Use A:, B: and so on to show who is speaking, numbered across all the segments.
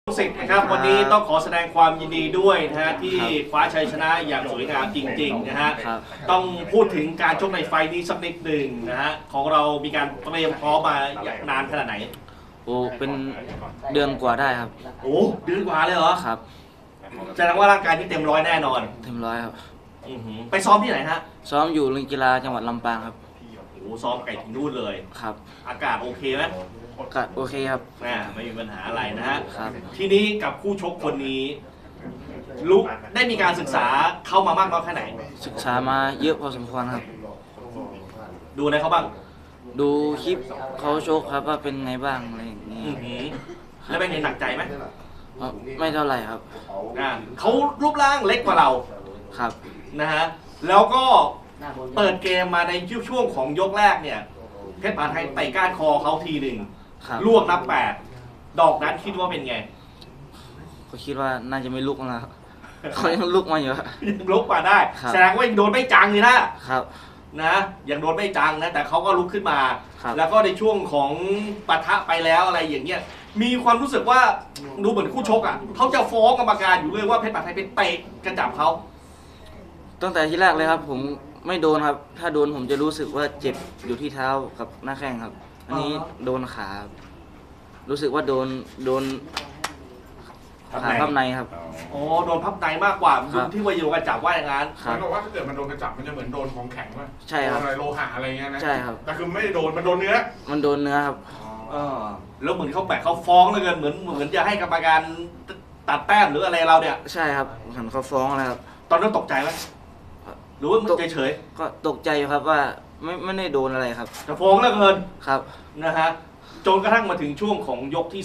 A: สิทธิ์นะครับวันนี้ต้องขอแสดงความยินดีด้วยนะฮะที่คว้าชัยชนะอย่างสวยงามจริงๆนะฮะต้องพูดถึงการชกในไฟนี้สักนิดหนึ่งนะฮะของเรามีการเตรียมพร้อมมาอย่างนานขนาดไหน
B: โอ้เป็นเดือนกว่าได้ครับ
A: โอ้เดือนกว่าเลยเหรอ
B: ครับ
A: แสดงว่าร่างกายที่เต็มร้อยแน่นอน
B: เต็มร้อยครับ
A: ไปซ้อมที่ไหนฮะ
B: ซ้อมอยู่โรงเรียนกีฬาจังหวัดลำปางครับ
A: โอ้ซ้อมไก่ถึงนู่นเลย
B: ครับ
A: อากาศโอเคไหม
B: อากาศโอเคครับ
A: ไม่มีปัญหาอะไรนะฮะ
B: ครับ
A: ทีนี้กับคู่ชกคนนี้ลุกได้มีการศึกษาเข้ามามากน้อยแค่ไหน
B: ศึกษามาเยอะพอสมควรครับ
A: ดูอะไรเขาบ้าง
B: ดูคลิปเขาชกครับว่าเป็นไงบ้างอะไรอย่างนี้
A: แล้วเป็นไงหนักใจไหม
B: ไม่เท่าไหร่ครับ
A: เขารูปร่างเล็กกว่าเรา
B: ครับ
A: นะฮะแล้วก็เปิดเกมมาในช่วงของยกแรกเนี่ยเพชรปานไทยเตะก้านคอเขาทีหนึ่งลวกนับ8ดอกนั้นคิดว่าเป็นไง
B: ก็คิดว่าน่าจะไม่ลุกแล้วเขายังลุกมาอยู่
A: ยังลุกมาได้แสดงว่ายังโดนไม่จังเลยนะครับนะยังโดนไม่จังนะแต่เขาก็ลุกขึ้นมาแล้วก็ในช่วงของปะทะไปแล้วอะไรอย่างเงี้ยมีความรู้สึกว่าดูเหมือนคู่ชกอ่ะเขาจะฟ้องกรรมการอยู่เลยว่าเพชรปานไทยเป็นเตะกระจับเขา
B: ตั้งแต่ที่แรกเลยครับผมไม่โดนครับถ้าโดนผมจะรู้สึกว่าเจ็บอยู่ที่เท้ากับหน้าแข้งครับอันนี้โดนขารู้สึกว่าโดนขาพับในครับ
A: โอ้โดนพับในมากกว่าที่ว่าโยนกระจับว่าอย่างนั้น
C: มันบอกว่าถ้าเกิดมันโดนกระจับมันจะเหมือนโดนของแข็งว่า
B: ใช่ครับ
C: อะไรโลหะอะไรเงี้ยนะ
B: ใช่ครับ
C: แต่คือไม่ได้โดนมันโดนเนื้อ
B: มันโดนเนื้อครับ
A: แล้วเหมือนเขาแปะเขาฟ้องเลยเหมือนจะให้กรรมการตัดแต้มหรืออะไรเราเนี่ย
B: ใช่ครับเหมือนเขาฟ้องอะไรครับ
A: ตอนนั้นตกใจไหมหรือว่าเฉย
B: ๆก็ตกใจอยู่ครับว่าไม่ได้โดนอะไรครับ
A: แต่ฟ้องแล้วเกิน
B: ครับ
A: นะฮะจนกระทั่งมาถึงช่วงของยกที่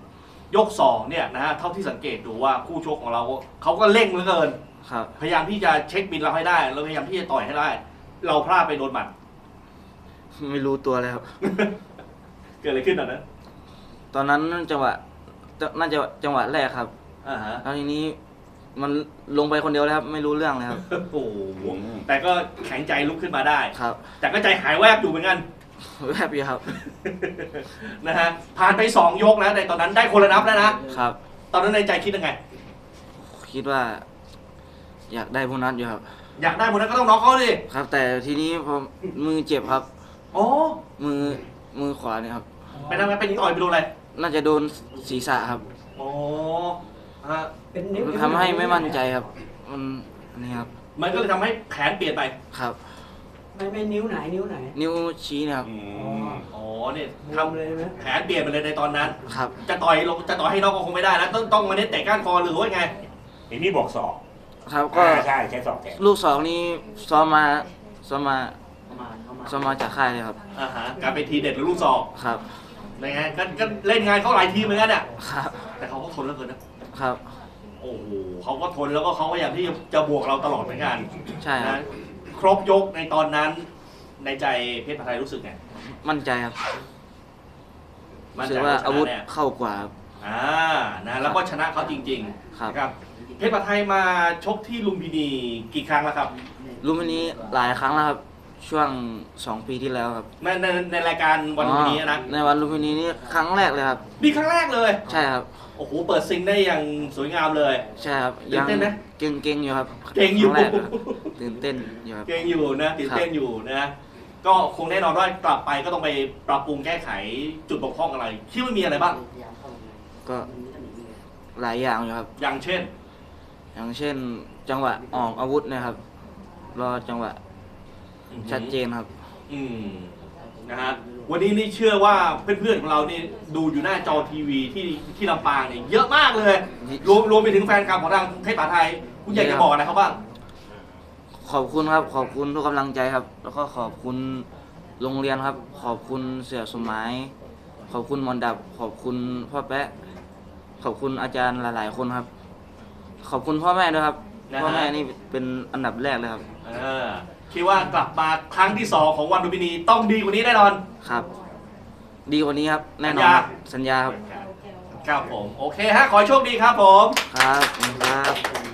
A: 2ยก2เนี่ยนะฮะเท่าที่สังเกตดูว่าคู่ชกของเราเขาก็เร่งเหลือเกินพยายามที่จะเช็คบินเราให้ได้เราพยายามที่จะต่อยให้ได้เราพลาดไปโดนหมัด
B: ไม่รู้ตัวเลยครับ
A: เกิดอะไรขึ้นตอนนั้น
B: จังหวะน่าจะจังหวะแรกครับแล้วทีนี้มันลงไปคนเดียวแล้วครับไม่รู้เรื่องเลยครับ
A: โอ้แต่ก็แข็งใจลุกขึ้นมาได้
B: ครับ
A: แต่ก็ใจหายแวบอยู่เหมือนกัน
B: แวบอยู่ครับ
A: นะฮะผ่านไป2ยกแล้วในตอนนั้นได้คนละนับแล้วนะครับตอนนั้นในใจคิดยังไง
B: คิดว่าอยากได้โบนัสอยู่ครับ
A: อยากได้โบนัสก็ต้องน็อกเขาดิ
B: ครับแต่ทีนี้พอมือเจ็บครับ
A: อ๋อ
B: มือขวาเนี่ยครับ
A: ไปทำไงไปต่อยไปโดนอะไร
B: น่าจะโดนศีรษะครับ
A: อ๋อ
B: ทำให้ไม่มั่นใจครับนี่ครับ
A: มันก็เลยทำให้แผนเปลี่ยนไป
B: ครับ
D: ไม่นิ้วไหน
B: นิ้วชี้นะครับ
A: อ๋อเนี่ยทำเลยไหมแผนเปลี่ยนไปเลยในตอนนั้น
B: ครับ
A: จะต่อยให้นอกก็คงไม่ได้นะต้องมาเน้นเตะก้านคอหรือว่าไง
E: ไอ้นี่บอกศอก
B: ครับก็
E: ใช่ศอกแทน
B: ลูก2นี้ซ้อมมาจากค่ายเลยครับ
A: การเป็นทีเด็ดหรือลูกศอก
B: ครับ
A: ยังไงก็เล่นงานเขาหลายทีเหมือนกันเนี่ยครับแต่เขาก็ทนแล้วเกิน
B: นะครับ
A: โอ้โหเขาก็ทนแล้วก็เขาพยายามที่จะบวกเราตลอดเหมือนกัน
B: ใช่ครับ
A: ครบยกในตอนนั้นในใจเพชรปานไทยรู้สึกไง
B: มั่นใจครับรู้สึกว่าอาวุธเข้ากว่า
A: นะแล้วก็ชนะเขาจริงๆครับเพชรปานไทยมาชกที่ลุมพินีกี่ครั้งแล้วครับ
B: ลุมพินีหลายครั้งแล้วครับช่วง2 ปีที่แล้วครับ
A: ในรายการวันลุมพินีนะ
B: ในวันลุมพินีนี่ครั้งแรกเลยครับ
A: นี่ครั้งแรกเลย
B: ใช่ครับ
A: โอ้โหเปิดซิงได้อย่างสวยงามเลย
B: ใช่ครับยังเก่งอยู่ครับ
A: เก่งอยู่
B: ตื่นเต้นอยู่ครับ
A: เก่งอยู่นะตื่นเต้นอยู่นะก็คงแน่นอนว่ากลับไปก็ต้องไปปรับปรุงแก้ไขจุดบกพร่องอะไรคิดว่ามีอะไรบ้าง
B: ก็หลายอย่างอยู่ครับ
A: อย่างเช่น
B: จังหวะออกอาวุธนะครับรอจังหวะชัดเจนครับ
A: นะฮะวันนี้นี่เชื่อว่าเพื่อนๆของเรานี่ดูอยู่หน้าจอทีวีที่ลำปางเนี่ยเยอะมากเลยรวมไปถึงแฟนคลับของทางเพชรปานไทยคุณอยากจะบอกอะไรเขาบ้าง
B: ขอบคุณครับขอบคุณทุกกำลังใจครับแล้วก็ขอบคุณโรงเรียนครับขอบคุณเสี่ยสมัยขอบคุณมอนดับขอบคุณพ่อแป๊ะขอบคุณอาจารย์หลายๆคนครับขอบคุณพ่อแม่ด้วยครับพ่อแม่นี่เป็นอันดับแรกเลยครับ
A: คิดว่ากลับมาครั้งที่2ของวันลุมพินีต้องดีกว่านี้แน่นอน
B: ครับดีกว่านี้ครับแน่นอนสัญญาครับ
A: ครับผมโอเคฮะขอโชคดีครับผม
B: ครับ